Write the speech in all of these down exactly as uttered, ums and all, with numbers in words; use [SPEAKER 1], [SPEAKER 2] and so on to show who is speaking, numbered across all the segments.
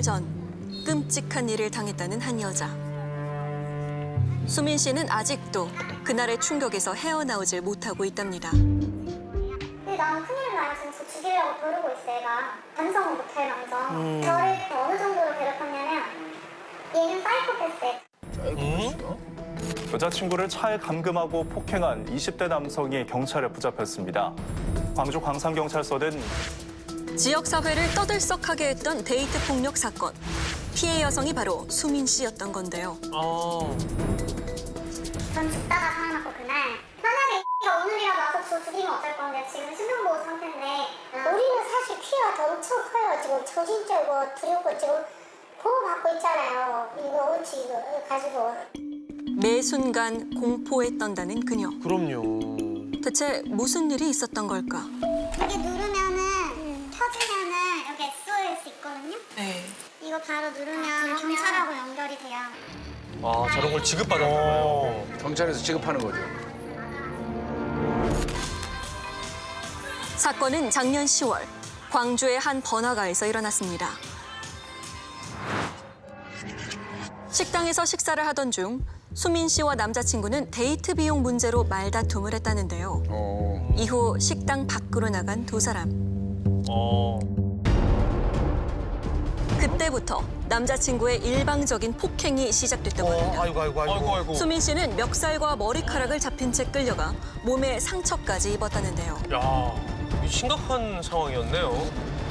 [SPEAKER 1] 전 끔찍한 일을 당했다는 한 여자. 수민 씨는 아직도 그날의 충격에서 헤어나오질 못하고 있답니다.
[SPEAKER 2] 근데 나는 큰일 나요. 지금 저 죽이려고 벼르고 있어, 얘가. 반성은 못할 망정.
[SPEAKER 3] 음.
[SPEAKER 2] 저를 어느 정도로 괴롭혔냐면 얘는 사이코패스예요.
[SPEAKER 3] 음? 여자친구를 차에 감금하고 폭행한 이십 대 남성이 경찰에 붙잡혔습니다. 광주 광산경찰서는
[SPEAKER 1] 지역 사회를 떠들썩하게 했던 데이트 폭력 사건. 피해 여성이 바로 수민 씨였던 건데요.
[SPEAKER 4] 어.
[SPEAKER 2] 전 죽다가 살아났고 그날 만약에 X가 오늘이라도 와서 저 죽이면 어쩔 건데 지금 신병보호 상태인데
[SPEAKER 5] 우리는 사실 피해가 엄청 커요. 지금 정신적으로 두렵고 지금 보호받고 있잖아요. 이거 어찌 이거 가지고.
[SPEAKER 1] 매 순간 공포에 떤다는 그녀.
[SPEAKER 4] 그럼요.
[SPEAKER 1] 대체 무슨 일이 있었던 걸까?
[SPEAKER 2] 여기 누르면은 켜지면은 여기 에스오에스 있거든요.
[SPEAKER 4] 네.
[SPEAKER 2] 이거 바로 누르면 경찰하고 연결이 돼요.
[SPEAKER 4] 아, 저런 걸 지급받았다고요?
[SPEAKER 6] 경찰에서 지급하는 거죠.
[SPEAKER 1] 사건은 작년 시월 광주의 한 번화가에서 일어났습니다. 식당에서 식사를 하던 중 수민 씨와 남자친구는 데이트 비용 문제로 말다툼을 했다는데요.
[SPEAKER 6] 어.
[SPEAKER 1] 이후 식당 밖으로 나간 두 사람.
[SPEAKER 4] 어.
[SPEAKER 1] 그때부터 남자친구의 일방적인 폭행이 시작됐다고 합니다.
[SPEAKER 4] 아이고, 아이고, 아이고. 아이고, 아이고.
[SPEAKER 1] 수민 씨는 멱살과 머리카락을 잡힌 채 끌려가 몸에 상처까지 입었다는데요.
[SPEAKER 4] 야, 이거 심각한 상황이었네요.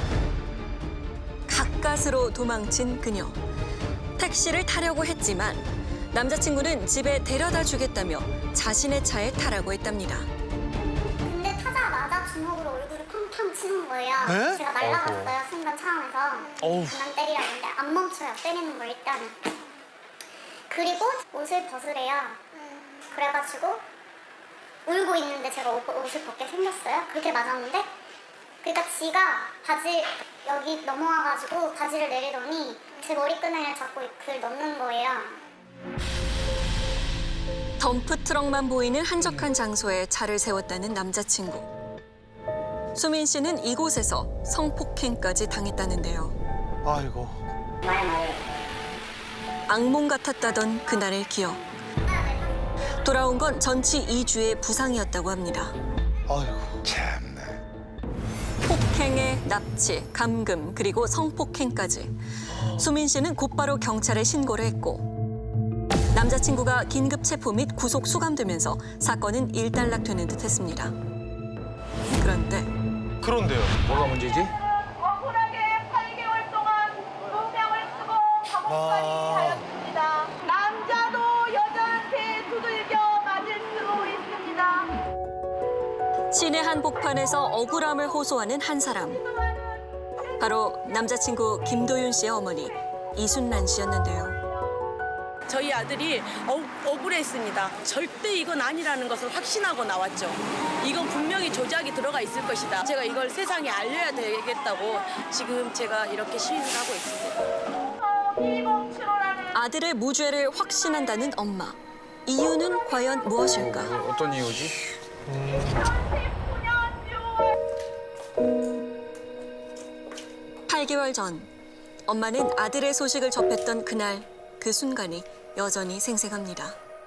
[SPEAKER 1] 가까스로 도망친 그녀. 택시를 타려고 했지만 남자친구는 집에 데려다 주겠다며 자신의 차에 타라고 했답니다.
[SPEAKER 2] 근데 타자마자 주먹으로 얼굴을 팡팡 치는 거예요.
[SPEAKER 4] 에?
[SPEAKER 2] 제가 날라갔어요, 순간 차원에서.
[SPEAKER 4] 어우.
[SPEAKER 2] 그만 때리라는데 안 멈춰요, 때리는 걸 일단은. 그리고 옷을 벗으래요. 그래가지고 울고 있는데 제가 옷, 옷을 벗게 생겼어요. 그렇게 맞았는데 그러니까 지가 바지 여기 넘어와가지고 바지를 내리더니 제 머리끈을 잡고 그걸 넣는 거예요.
[SPEAKER 1] 덤프트럭만 보이는 한적한 장소에 차를 세웠다는 남자친구. 수민 씨는 이곳에서 성폭행까지 당했다는데요.
[SPEAKER 4] 아이고.
[SPEAKER 1] 악몽 같았다던 그날의 기억. 돌아온 건 전치 이 주의 부상이었다고 합니다.
[SPEAKER 4] 아이고.
[SPEAKER 6] 참나.
[SPEAKER 1] 폭행에 납치, 감금, 그리고 성폭행까지. 수민 씨는 곧바로 경찰에 신고를 했고 남자친구가 긴급 체포 및 구속 수감되면서 사건은 일단락되는 듯했습니다. 그런데
[SPEAKER 4] 그런데요.
[SPEAKER 6] 뭐가 문제지?
[SPEAKER 7] 억울하게 팔 개월 동안 누명을 쓰고 감옥까지
[SPEAKER 4] 아.
[SPEAKER 7] 하였습니다. 남자도 여자한테 두들겨 맞을 수 있습니다.
[SPEAKER 1] 시내 한복판에서 억울함을 호소하는 한 사람. 바로 남자친구 김도윤 씨의 어머니 이순란 씨였는데요.
[SPEAKER 8] 저희 아들이 억, 억울했습니다. 절대 이건 아니라는 것을 확신하고 나왔죠. 이건 분명히 조작이 들어가 있을 것이다. 제가 이걸 세상에 알려야 되겠다고 지금 제가 이렇게 시위를 하고 있습니다.
[SPEAKER 1] 아들의 무죄를 확신한다는 엄마. 이유는 과연 무엇일까?
[SPEAKER 6] 어떤 이유지?
[SPEAKER 1] 팔 개월 전 엄마는 아들의 소식을 접했던 그날 그 순간이 여전히 생생합니다.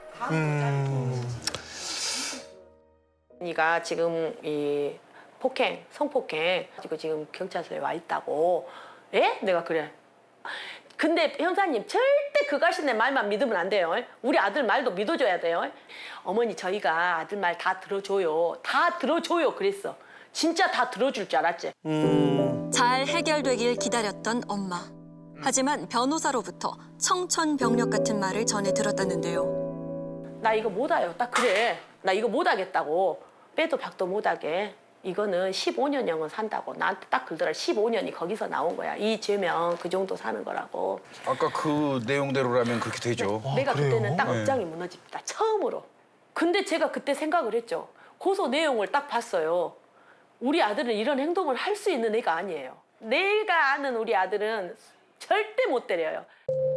[SPEAKER 8] 네가 지금 이 폭행, 성폭행 가지고 지금 경찰서에 와 있다고. 예? 내가 그래. 근데 형사님 절대 그 가신의 말만 믿으면 안 돼요. 우리 아들 말도 믿어줘야 돼요. 어머니 저희가 아들 말 다 들어줘요. 다 들어줘요 그랬어. 진짜 다 들어줄 줄 알았지.
[SPEAKER 1] 잘 해결되길 기다렸던 엄마. 하지만 변호사로부터 청천벽력 같은 말을 전해 들었다는데요.
[SPEAKER 8] 나 이거 못해요. 딱 그래. 나 이거 못하겠다고. 빼도 박도 못하게. 이거는 십오 년형은 산다고. 나한테 딱 그러더라. 십오 년이 거기서 나온 거야. 이 죄면 그 정도 사는 거라고.
[SPEAKER 6] 아까 그 내용대로라면 그렇게 되죠.
[SPEAKER 8] 내가 그때는 딱
[SPEAKER 6] 네.
[SPEAKER 8] 업장이 무너집니다. 처음으로. 근데 제가 그때 생각을 했죠. 고소 내용을 딱 봤어요. 우리 아들은 이런 행동을 할 수 있는 애가 아니에요. 내가 아는 우리 아들은 절대 못 때려요.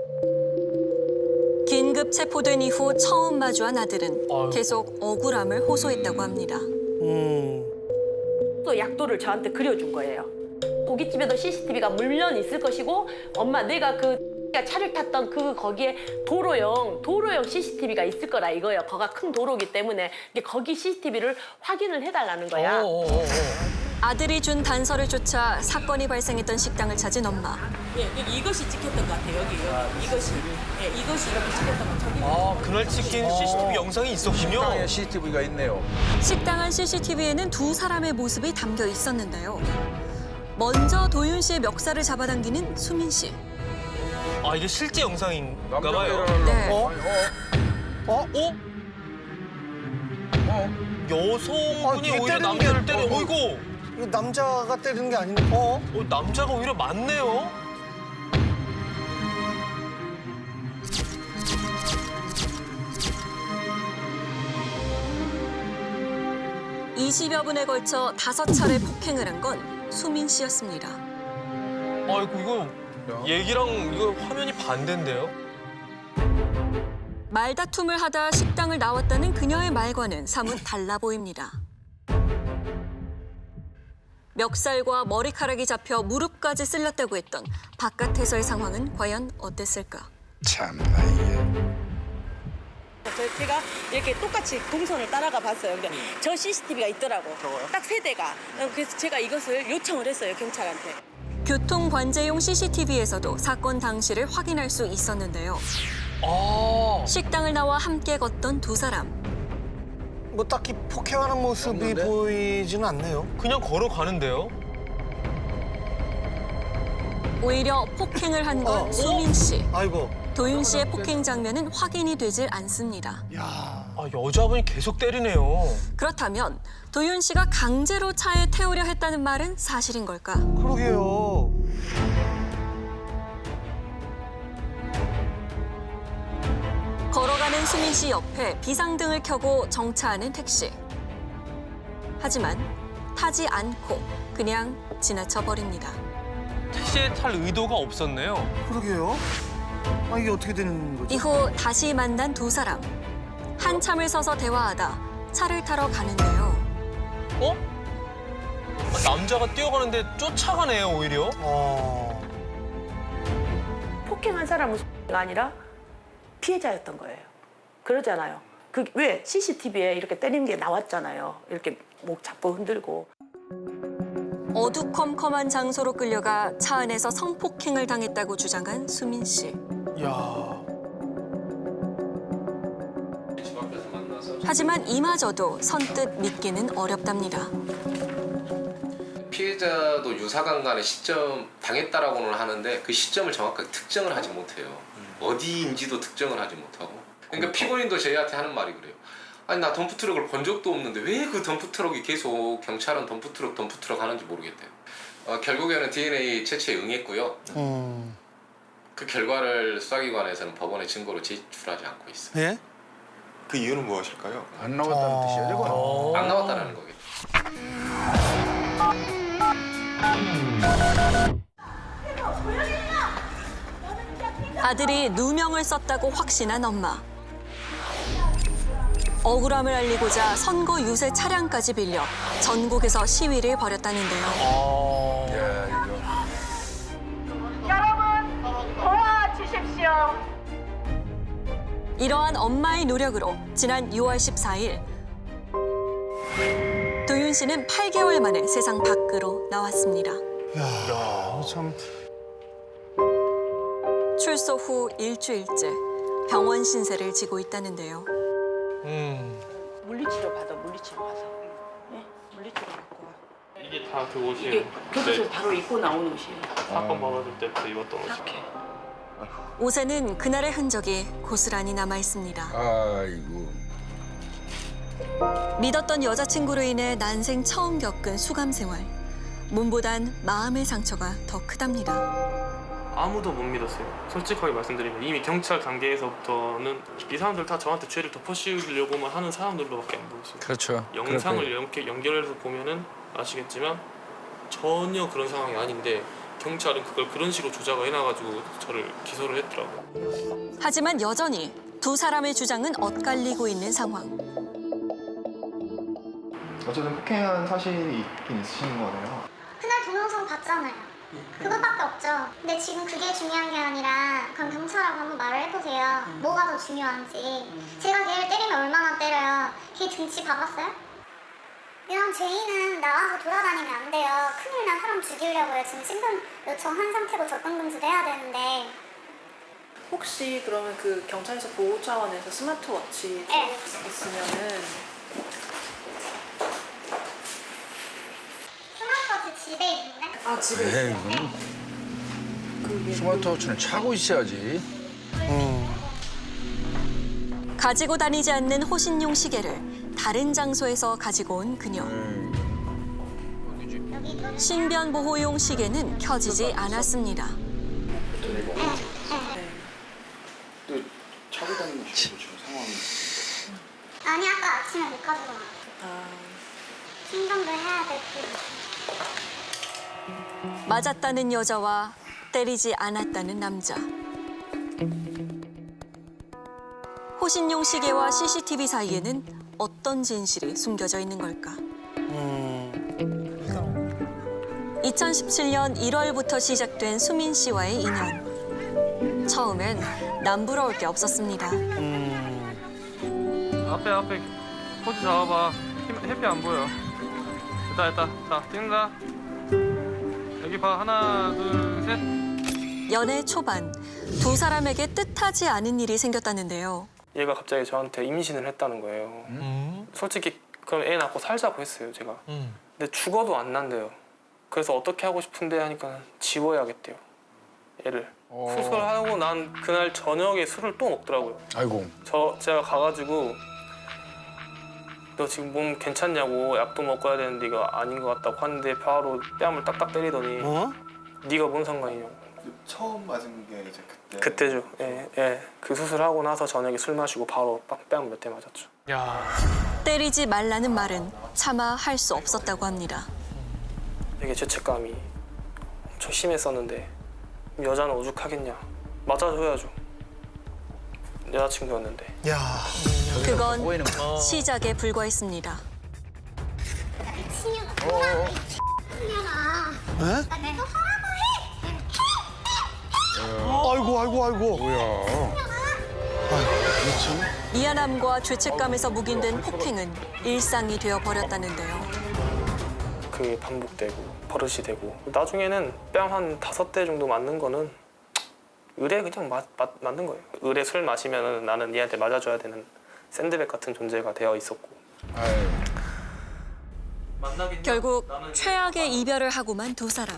[SPEAKER 1] 긴급 체포된 이후 처음 마주한 아들은
[SPEAKER 4] 아이고.
[SPEAKER 1] 계속 억울함을 호소했다고 합니다.
[SPEAKER 4] 음.
[SPEAKER 8] 또 약도를 저한테 그려준 거예요. 고깃집에도 씨씨티비가 물론 있을 것이고 엄마 내가 그 차를 탔던 그 거기에 도로용 도로용 씨씨티비가 있을 거라 이거예요. 거가 큰 도로기 때문에 이게 거기 씨씨티비를 확인을 해달라는 거야.
[SPEAKER 1] 아들이 준 단서를 쫓아 사건이 발생했던 식당을 찾은 엄마.
[SPEAKER 8] 예, 여기 이것이 찍혔던 것 같아요. 여기, 여기 이것이 예, 이것이 이렇게 찍혔던 것 저기.
[SPEAKER 4] 아, 그날 찍힌 씨씨티비 영상이 있었군요.
[SPEAKER 6] 식당에 씨씨티비가 있네요.
[SPEAKER 1] 식당 안 씨씨티비에는 두 사람의 모습이 담겨 있었는데요. 먼저 도윤 씨의 멱살을 잡아당기는 수민 씨.
[SPEAKER 4] 아, 이게 실제 영상인가
[SPEAKER 6] 남자가
[SPEAKER 4] 봐요.
[SPEAKER 6] 일어나려고.
[SPEAKER 1] 네.
[SPEAKER 6] 어? 어?
[SPEAKER 4] 어?
[SPEAKER 6] 어?
[SPEAKER 4] 여성분이
[SPEAKER 9] 아, 뒤에
[SPEAKER 4] 오히려
[SPEAKER 9] 때리는
[SPEAKER 4] 남자를
[SPEAKER 9] 게-
[SPEAKER 4] 때려.
[SPEAKER 9] 어,
[SPEAKER 4] 어이구.
[SPEAKER 9] 이거 남자가 때리는 게 아닌데. 어?
[SPEAKER 4] 어, 남자가 오히려 맞네요.
[SPEAKER 1] 이십여 분에 걸쳐 다섯 차례 폭행을 한 건 수민 씨였습니다.
[SPEAKER 4] 아이고, 이거 얘기랑 이거 화면이 반대인데요?
[SPEAKER 1] 말다툼을 하다 식당을 나왔다는 그녀의 말과는 사뭇 달라 보입니다. 멱살과 머리카락이 잡혀 무릎까지 쓸렸다고 했던 바깥에서의 상황은 과연 어땠을까?
[SPEAKER 6] 참나 이게.
[SPEAKER 8] 저 제가 이렇게 똑같이 동선을 따라가 봤어요. 근데 저 씨씨티비가 있더라고. 딱 세 대가. 그래서 제가 이것을 요청을 했어요, 경찰한테.
[SPEAKER 1] 교통관제용 씨씨티비에서도 사건 당시를 확인할 수 있었는데요.
[SPEAKER 4] 아.
[SPEAKER 1] 식당을 나와 함께 걷던 두 사람.
[SPEAKER 9] 뭐 딱히 폭행하는 모습이
[SPEAKER 6] 없는데?
[SPEAKER 9] 보이지는 않네요.
[SPEAKER 4] 그냥 걸어가는데요?
[SPEAKER 1] 오히려 폭행을 한 건
[SPEAKER 9] 어.
[SPEAKER 1] 수민 씨.
[SPEAKER 9] 아이고.
[SPEAKER 1] 도윤 씨의 폭행 장면은 확인이 되질 않습니다.
[SPEAKER 4] 아, 여자분이 계속 때리네요.
[SPEAKER 1] 그렇다면 도윤 씨가 강제로 차에 태우려 했다는 말은 사실인 걸까?
[SPEAKER 9] 그러게요.
[SPEAKER 1] 걸어가는 수민 씨 옆에 비상등을 켜고 정차하는 택시. 하지만 타지 않고 그냥 지나쳐 버립니다.
[SPEAKER 4] 택시에 탈 의도가 없었네요.
[SPEAKER 9] 그러게요. 아, 이게 어떻게 되는 거죠?
[SPEAKER 1] 이후 다시 만난 두 사람. 한참을 서서 대화하다 차를 타러 가는데요.
[SPEAKER 4] 어? 아, 남자가 뛰어가는데 쫓아가네요, 오히려.
[SPEAKER 9] 어.
[SPEAKER 8] 폭행한 사람은 가 아니라 피해자였던 거예요. 그러잖아요. 그 왜 씨씨티비에 이렇게 때리는 게 나왔잖아요. 이렇게 목 잡고 흔들고.
[SPEAKER 1] 어두컴컴한 장소로 끌려가 차 안에서 성폭행을 당했다고 주장한 수민 씨.
[SPEAKER 9] 야.
[SPEAKER 1] 하지만 이마저도 선뜻 믿기는 어렵답니다.
[SPEAKER 10] 피해자도 유사강간의 시점 당했다라고는 하는데 그 시점을 정확하게 특정을 하지 못해요. 어디인지도 특정을 하지 못하고. 그러니까 피고인도 저희한테 하는 말이 그래요. 아니 나 덤프트럭을 본 적도 없는데 왜 그 덤프트럭이 계속 경찰은 덤프트럭 덤프트럭 하는지 모르겠대요. 어, 결국에는 디엔에이 채취에 응했고요.
[SPEAKER 9] 음.
[SPEAKER 10] 그 결과를 수사기관에서는 법원에 증거로 제출하지 않고 있어요.
[SPEAKER 9] 예?
[SPEAKER 11] 그 이유는 무엇일까요?
[SPEAKER 6] 안 나왔다는
[SPEAKER 9] 어.
[SPEAKER 6] 뜻이야, 저건.
[SPEAKER 4] 어.
[SPEAKER 10] 안 나왔다는 거겠죠.
[SPEAKER 1] 아들이 누명을 썼다고 확신한 엄마. 억울함을 알리고자 선거 유세 차량까지 빌려 전국에서 시위를 벌였다는데요.
[SPEAKER 4] 아.
[SPEAKER 6] 야, 이거.
[SPEAKER 7] 여러분 도와주십시오.
[SPEAKER 1] 이러한 엄마의 노력으로 지난 유월 십사일 도윤 씨는 팔 개월 만에 세상 밖으로 나왔습니다.
[SPEAKER 9] 야, 참.
[SPEAKER 1] 출소 후 일주일째 병원 신세를 지고 있다는데요.
[SPEAKER 4] 음.
[SPEAKER 8] 물리치료 받아, 물리치료 가서. 예? 물리치료 받고 와.
[SPEAKER 12] 이게 다 그 옷이에요.
[SPEAKER 8] 이게 교도소 바로 입고 나온 옷이에요.
[SPEAKER 12] 사건 벌어질 때부터 입었던 옷이에요.
[SPEAKER 8] 이렇게.
[SPEAKER 1] 옷에는 그날의 흔적이 고스란히 남아 있습니다.
[SPEAKER 6] 아이고.
[SPEAKER 1] 믿었던 여자친구로 인해 난생 처음 겪은 수감 생활. 몸보단 마음의 상처가 더 크답니다.
[SPEAKER 12] 아무도 못 믿었어요. 솔직하게 말씀드리면 이미 경찰 단계에서부터는 이 사람들 다 저한테 죄를 덮어씌우려고만 하는 사람들로밖에 안 보였어요.
[SPEAKER 6] 그렇죠.
[SPEAKER 12] 영상을
[SPEAKER 6] 그럴
[SPEAKER 12] 이렇게 연결해서 보면은 아시겠지만 전혀 그런 상황이 아닌데 경찰은 그걸 그런 식으로 조작을 해놔가지고 저를 기소를 했더라고요.
[SPEAKER 1] 하지만 여전히 두 사람의 주장은 엇갈리고 있는 상황.
[SPEAKER 11] 어쨌든 폭행한 사실이 있긴 있으신 거네요.
[SPEAKER 2] 그날 동영상 봤잖아요. 그것밖에 없죠. 근데 지금 그게 중요한 게 아니라 그럼 경찰하고 한번 말을 해보세요. 뭐가 더 중요한지. 제가 걔를 때리면 얼마나 때려요. 걔 등치 봐봤어요? 이런 죄인은 나와서 돌아다니면 안 돼요. 큰일 난 사람 죽이려고요. 지금 신분 요청한 상태고 접근금지도 해야 되는데.
[SPEAKER 13] 혹시 그러면 그 경찰서 보호 차원에서 스마트워치
[SPEAKER 2] 네.
[SPEAKER 13] 있으면은
[SPEAKER 2] 스마트워치 집에 있는데?
[SPEAKER 13] 아 집에
[SPEAKER 6] 에이,
[SPEAKER 13] 있어요?
[SPEAKER 6] 이건
[SPEAKER 13] 그게
[SPEAKER 6] 스마트워치는 차고 있어야지.
[SPEAKER 1] 가지고 다니지 않는 호신용 시계를 다른 장소에서 가지고 온 그녀. 신변 보호용 시계는 켜지지 않았습니다.
[SPEAKER 6] 차고 다니는 지금 상황이.
[SPEAKER 2] 아니 아까 아침에 못 가지고 와.
[SPEAKER 13] 아,
[SPEAKER 2] 신경도 해야 되고.
[SPEAKER 1] 맞았다는 여자와 때리지 않았다는 남자. 호신용 시계와 씨씨티비 사이에는 어떤 진실이 숨겨져 있는 걸까? 이천십칠 년 일월부터 시작된 수민 씨와의 인연. 처음엔 남부러울 게 없었습니다.
[SPEAKER 12] 앞에 앞에 포즈 잡아봐. 힘- 햇빛 안 보여. 됐다 됐다. 자 찍는다. 여기 봐. 하나 둘 셋.
[SPEAKER 1] 연애 초반 두 사람에게 뜻하지 않은 일이 생겼다는데요.
[SPEAKER 12] 얘가 갑자기 저한테 임신을 했다는 거예요.
[SPEAKER 4] 음?
[SPEAKER 12] 솔직히 그럼 애 낳고 살자고 했어요 제가.
[SPEAKER 4] 음.
[SPEAKER 12] 근데 죽어도 안 난대요. 그래서 어떻게 하고 싶은데 하니까 지워야겠대요. 애를.
[SPEAKER 6] 어.
[SPEAKER 12] 수술하고 난 그날 저녁에 술을 또 먹더라고요.
[SPEAKER 6] 아이고.
[SPEAKER 12] 저 제가 가가지고 너 지금 몸 괜찮냐고 약도 먹어야 되는데 이거 아닌 것 같다고 하는데 바로 뺨을 딱딱 때리더니
[SPEAKER 9] 어?
[SPEAKER 12] 네가 뭔 상관이냐고.
[SPEAKER 11] 처음 맞은 게 이제 그때.
[SPEAKER 12] 그때죠. 예, 예. 그 수술하고 나서 저녁에 술 마시고 바로 뺨 몇 대 맞았죠.
[SPEAKER 4] 야.
[SPEAKER 1] 때리지 말라는 말은 차마 할 수 없었다고 합니다.
[SPEAKER 12] 되게 죄책감이 엄청 심했었는데 여자는 오죽하겠냐. 맞아줘야죠. 여자친구였는데.
[SPEAKER 9] 야.
[SPEAKER 1] 그건
[SPEAKER 6] 꼬이는 거.
[SPEAKER 1] 시작에 불과했습니다.
[SPEAKER 2] 미친년아.
[SPEAKER 6] 어.
[SPEAKER 2] 미친년아.
[SPEAKER 9] 에?
[SPEAKER 2] 나 내가 하라고 해.
[SPEAKER 9] 아이고 아이고 아이고.
[SPEAKER 6] 뭐야?
[SPEAKER 1] 미안함과 죄책감에서 묵인된 폭행은 일상이 되어 버렸다는데요.
[SPEAKER 12] 그게 반복되고 버릇이 되고 나중에는 뺨 한 다섯 대 정도 맞는 거는 의뢰 그냥 맞, 맞, 맞는 거예요. 의뢰 술 마시면 나는 얘한테 맞아줘야 되는 샌드백 같은 존재가 되어 있었고.
[SPEAKER 6] 아유.
[SPEAKER 1] 결국 최악의 이별을 하고만 두 사람.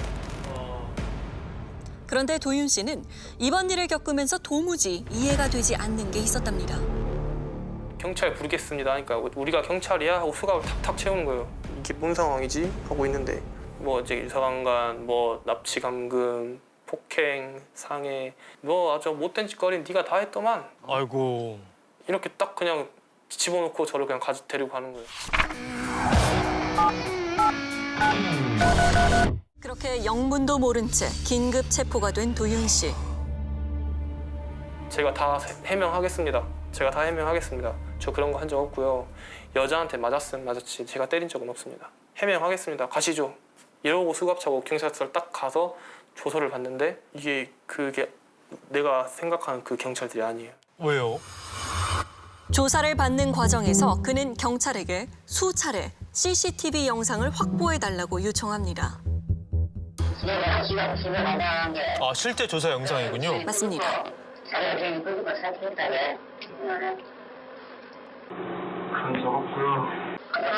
[SPEAKER 1] 그런데 도윤 씨는 이번 일을 겪으면서 도무지 이해가 되지 않는 게 있었답니다.
[SPEAKER 12] 경찰 부르겠습니다 하니까 우리가 경찰이야? 하고 수갑을 탁탁 채우는 거예요. 이게 뭔 상황이지? 하고 있는데 뭐 이제 유사강간, 뭐 납치 감금, 폭행, 상해 뭐 아주 못된 짓거리 네가 다 했더만
[SPEAKER 4] 아이고.
[SPEAKER 12] 이렇게 딱 그냥 집어넣고 저를 그냥 가지 데리고 가는 거예요.
[SPEAKER 1] 그렇게 영문도 모른 채 긴급 체포가 된 도윤 씨.
[SPEAKER 12] 제가 다 해명하겠습니다. 제가 다 해명하겠습니다. 저 그런 거 한 적 없고요. 여자한테 맞았으면 맞았지 제가 때린 적은 없습니다. 해명하겠습니다. 가시죠. 이러고 수갑 차고 경찰서를 딱 가서 조서를 받는데 이게 그게 내가 생각하는 그 경찰들이 아니에요.
[SPEAKER 4] 왜요?
[SPEAKER 1] 조사를 받는 과정에서 그는 경찰에게 수차례 씨씨티비 영상을 확보해달라고 요청합니다.
[SPEAKER 4] 아 실제 조사 영상이군요.
[SPEAKER 1] 맞습니다.
[SPEAKER 12] 그런 적 없고요.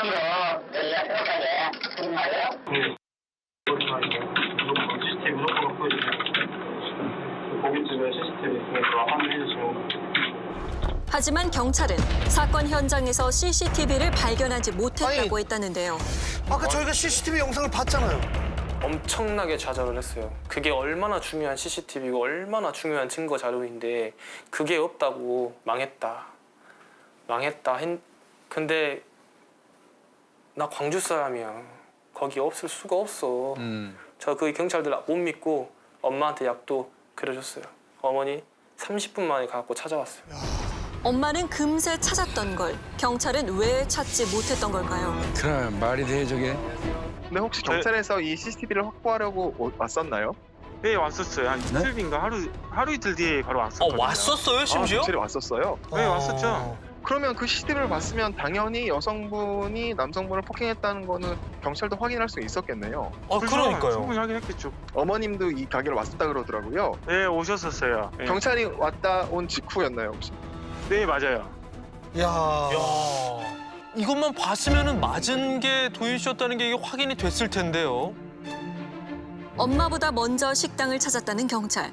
[SPEAKER 12] 씨씨티비 무조건 갖고 있어요. 고깃집에 씨씨티비 있으니까 확인해 주시면.
[SPEAKER 1] 하지만 경찰은 사건 현장에서 씨씨티비를 발견하지 못했다고 했다는데요.
[SPEAKER 9] 아까 저희가 씨씨티비 영상을 봤잖아요.
[SPEAKER 12] 엄청나게 좌절을 했어요. 그게 얼마나 중요한 씨씨티비고 얼마나 중요한 증거 자료인데 그게 없다고 망했다. 망했다. 했... 근데 나 광주 사람이야. 거기 없을 수가 없어.
[SPEAKER 6] 음.
[SPEAKER 12] 저 그 경찰들 못 믿고 엄마한테 약도 그려줬어요. 어머니 삼십 분 만에 가갖고 찾아왔어요.
[SPEAKER 1] 엄마는 금세 찾았던 걸 경찰은 왜 찾지 못했던 걸까요?
[SPEAKER 6] 그래 말이 돼 저게.
[SPEAKER 11] 근데 혹시 경찰에서 이 씨씨티비를 확보하려고 오- 왔었나요?
[SPEAKER 12] 네, 왔었어요. 한 이틀인가 하루 하루 이틀 뒤에 바로
[SPEAKER 4] 어,
[SPEAKER 12] 왔었거든요.
[SPEAKER 4] 왔었어요,
[SPEAKER 11] 아,
[SPEAKER 4] 심지어?
[SPEAKER 11] 경찰이 왔었어요?
[SPEAKER 12] 네, 왔었죠.
[SPEAKER 11] 그러면 그 씨씨티비를 봤으면 당연히 여성분이 남성분을 폭행했다는 거는 경찰도 확인할 수 있었겠네요.
[SPEAKER 4] 아, 그러니까요.
[SPEAKER 12] 충분히 확인했겠죠.
[SPEAKER 11] 어머님도 이 가게를 왔었다 그러더라고요.
[SPEAKER 12] 네, 오셨었어요. 네.
[SPEAKER 11] 경찰이 왔다 온 직후였나요 혹시?
[SPEAKER 12] 네, 맞아요.
[SPEAKER 9] 야.
[SPEAKER 4] 야, 이것만 봤으면은 맞은 게 도윤 씨였다는 게 이게 확인이 됐을 텐데요.
[SPEAKER 1] 엄마보다 먼저 식당을 찾았다는 경찰.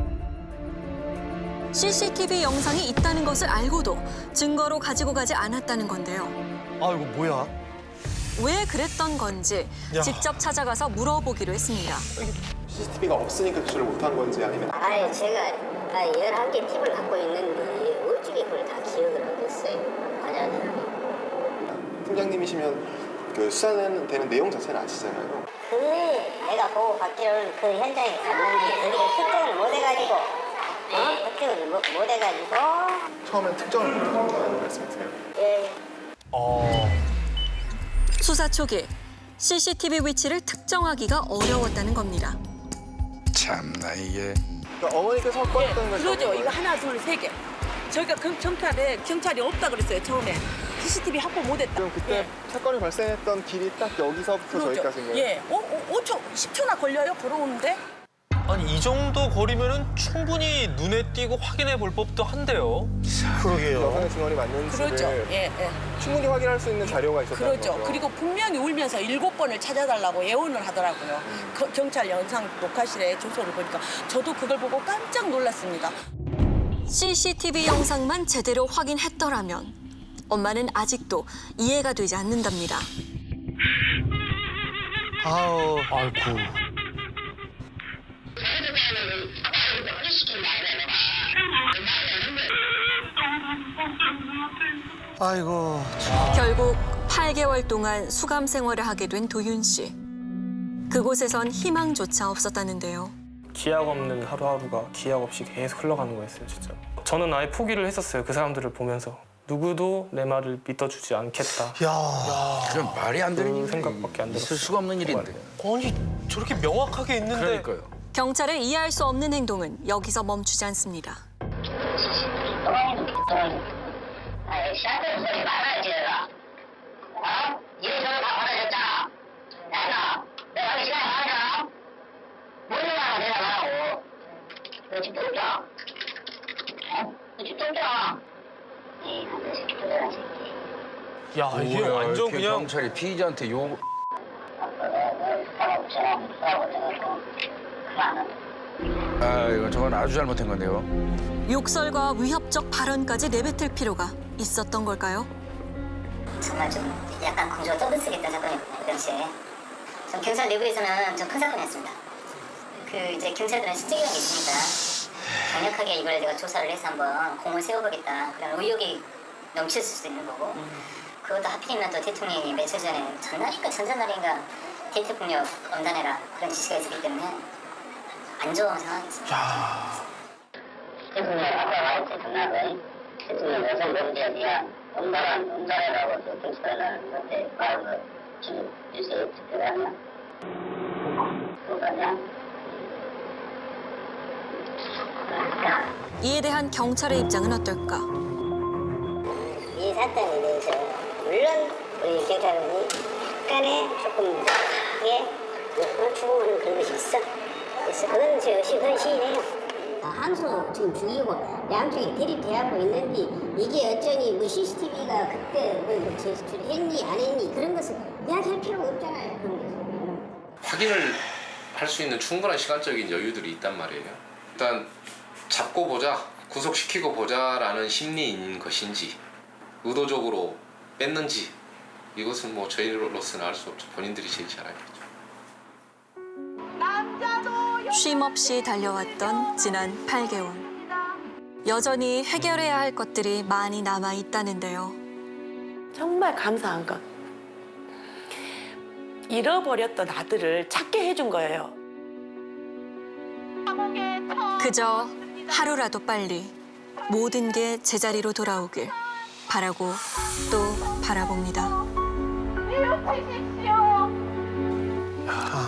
[SPEAKER 1] 씨씨티비 영상이 있다는 것을 알고도 증거로 가지고 가지 않았다는 건데요.
[SPEAKER 9] 아 이거 뭐야?
[SPEAKER 1] 왜 그랬던 건지
[SPEAKER 4] 야.
[SPEAKER 1] 직접 찾아가서 물어보기로 했습니다.
[SPEAKER 11] 씨씨티비가 없으니까 조치를 못한 건지 아니면
[SPEAKER 5] 아니 제가 열한 개 팁을 갖고 있는데 어찌게 그걸 다 기억을 하겠어요. 맞아요.
[SPEAKER 11] 팀장님이시면 그 수사는 되는 내용 자체는 아시잖아요.
[SPEAKER 5] 근데 내가 보고 받기로는 그 현장에 갔는데 그게 특정을 못 해가지고 어? 특정을 못, 못 해가지고
[SPEAKER 11] 처음엔 특정을 못한다는 말씀이세요?
[SPEAKER 5] 예.
[SPEAKER 4] 어.
[SPEAKER 1] 수사 초기 씨씨티비 위치를 특정하기가 어려웠다는 겁니다.
[SPEAKER 6] 참나 이게.
[SPEAKER 11] 그러니까 어머니께서 확보했던 걸
[SPEAKER 8] 그러죠. 이거 하나, 둘, 세 개. 저희가 그 경찰에 경찰이 없다 그랬어요. 처음에 씨씨티비 확보 못했다.
[SPEAKER 11] 그럼 그때
[SPEAKER 8] 예.
[SPEAKER 11] 사건이 발생했던 길이 딱 여기서부터
[SPEAKER 8] 그러죠.
[SPEAKER 11] 저기까지인가요?
[SPEAKER 8] 예. 오, 오, 오 초, 십 초나 걸려요. 걸어오는데.
[SPEAKER 4] 아니, 이 정도 거리면은 충분히 눈에 띄고 확인해 볼 법도 한데요.
[SPEAKER 9] 그러게요.
[SPEAKER 11] 여성의 증언이 맞는지를
[SPEAKER 8] 그렇죠. 예, 예.
[SPEAKER 11] 충분히 확인할 수 있는 자료가 있었다는
[SPEAKER 8] 그렇죠.
[SPEAKER 11] 거죠.
[SPEAKER 8] 그리고 분명히 울면서 일곱 번을 찾아달라고 예언을 하더라고요. 그 경찰 영상 녹화실에 조서를 보니까 저도 그걸 보고 깜짝 놀랐습니다.
[SPEAKER 1] 씨씨티비 영상만 제대로 확인했더라면 엄마는 아직도 이해가 되지 않는답니다.
[SPEAKER 9] 아우.
[SPEAKER 4] 아이고.
[SPEAKER 9] 아이고.
[SPEAKER 1] 결국 팔 개월 동안 수감 생활을 하게 된 도윤 씨. 그곳에선 희망조차 없었다는데요.
[SPEAKER 12] 기약 없는 하루하루가 기약 없이 계속 흘러가는 거였어요, 진짜. 저는 아예 포기를 했었어요, 그 사람들을 보면서. 누구도 내 말을 믿어주지 않겠다.
[SPEAKER 9] 야.
[SPEAKER 6] 그럼 말이 안 되는
[SPEAKER 12] 그
[SPEAKER 6] 일이
[SPEAKER 12] 생각밖에 안
[SPEAKER 6] 있을
[SPEAKER 12] 들었어요.
[SPEAKER 6] 수가 없는 일인데.
[SPEAKER 4] 아니, 저렇게 명확하게 있는데.
[SPEAKER 6] 그러니까요.
[SPEAKER 1] 경찰의 이해할 수 없는 행동은 여기서 멈추지 않습니다.
[SPEAKER 5] 아이 샤넬 소리 말아야지 내가. 어? 이런 소리 다 받아줬잖아. 내가 내가 하기 시간에 말하잖아. 뭔 말을 내가 말하고. 너 집 똥겨. 어? 너 집 똥겨. 이 남자 새끼 도대란 새끼.
[SPEAKER 4] 야, 이게
[SPEAKER 6] 뭐야,
[SPEAKER 4] 완전
[SPEAKER 6] 이렇게
[SPEAKER 4] 그냥.
[SPEAKER 6] 경찰이 피의자한테 욕.
[SPEAKER 5] 하고 저랑 싸우고 생각하고 그만.
[SPEAKER 6] 아 이거 저건 아주 잘못한 건데요.
[SPEAKER 1] 욕설과 위협적 발언까지 내뱉을 필요가 있었던 걸까요?
[SPEAKER 5] 정말 좀 약간 공주가 떠들썩했던 사건이었거든요, 그 당시에. 전 경찰 내부에서는 좀 큰 사건이었습니다. 그 이제 경찰들은 실적이라는 게 있으니까 강력하게 이걸 내가 조사를 해서 한번 공을 세워보겠다. 그런 의욕이 넘쳤을 수도 있는 거고. 그것도 하필이면 또 대통령이 며칠 전에 전날인가 전전날인가 데이트 폭력 엄단해라 그런 지시가 있었기 때문에 안 좋은 상황이었습니다. 대통령 아까 말했지 전날은 대통령 여성 범죄에 대한 엄단한 엄단해라고 그 경찰은 그때 말을 지금 뉴스에 특별히 하냐? 그거냐?
[SPEAKER 1] 이에 대한 경찰의 입장은 어떨까?
[SPEAKER 5] 이 사건에 대해서 물론 우리 경찰관이 약간의 조금 크게 추궁하는 그런 것이 있어. 그래서 그건 저 그건 시인해요. 항소 지금 중이고 양쪽이 대립돼하고 있는데 이게 어쩌니 뭐 씨씨티비가 그때 뭐 제출했니 안 했니 그런 것을 이야기할 필요가 없잖아요. 그런 게.
[SPEAKER 10] 확인을 할 수 있는 충분한 시간적인 여유들이 있단 말이에요. 일단 잡고 보자, 구속시키고 보자라는 심리인 것인지 의도적으로 뺐는지 이것은 뭐 저희로서는 알 수 없죠. 본인들이 제일 잘 알겠죠.
[SPEAKER 1] 쉼 없이 달려왔던 지난 팔 개월. 여전히 해결해야 할 것들이 많이 남아 있다는데요.
[SPEAKER 8] 정말 감사한 것. 잃어버렸던 아들을 찾게 해준 거예요.
[SPEAKER 1] 그저 하루라도 빨리 모든 게 제자리로 돌아오길 바라고 또 바라봅니다.
[SPEAKER 7] 이웃 주십시오.
[SPEAKER 9] 아.